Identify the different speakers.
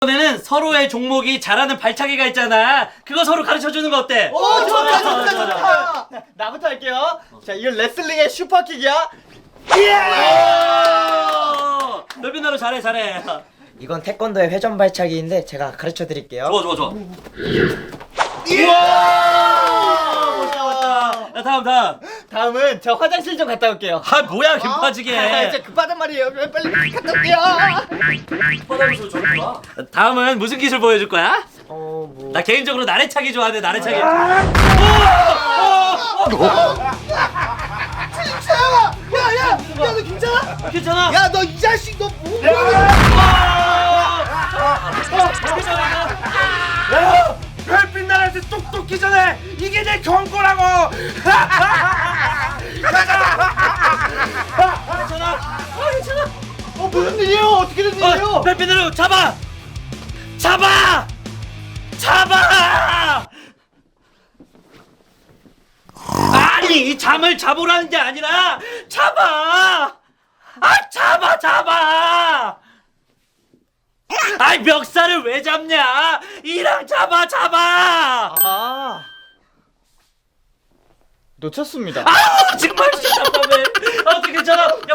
Speaker 1: 이번에는 서로의 종목이 잘하는 발차기가 있잖아. 그거 서로 가르쳐주는 거 어때?
Speaker 2: 오, 좋다. 나부터 할게요. 자, 이건 레슬링의 슈퍼킥이야.
Speaker 1: 넓은 나로 잘해.
Speaker 3: 이건 태권도의 회전 발차기인데 제가 가르쳐 드릴게요.
Speaker 1: 좋아. 우와! 멋있다. 야, 다음.
Speaker 2: 다음은 저 화장실 좀 갔다 올게요.
Speaker 1: 아, 뭐야, 김빠지게.
Speaker 2: 진짜 급하단 말이에요. 빨리 갔다 올게요.
Speaker 1: 다음은 무슨 기술 보여줄 거야?
Speaker 3: 뭐
Speaker 1: 나 개인적으로 나래차기 좋아하는데 나래차기.
Speaker 4: 진짜야! 야, 너 괜찮아?
Speaker 1: 괜찮아?
Speaker 4: 야, 너 이 자식 너 뭐?
Speaker 5: 별빛 나라에서 똑똑히 전에 이게 내 경고라고.
Speaker 4: 무슨 일이에요? 어떻게 된 일이에요?
Speaker 1: 별빛으로 잡아! 아니, 잠을 잡으라는 게 아니라 잡아! 잡아! 아이, 멱살을 왜 잡냐? 이랑 잡아!
Speaker 2: 아, 놓쳤습니다.
Speaker 1: 정말 답답해. 어떻게 괜찮아? 야,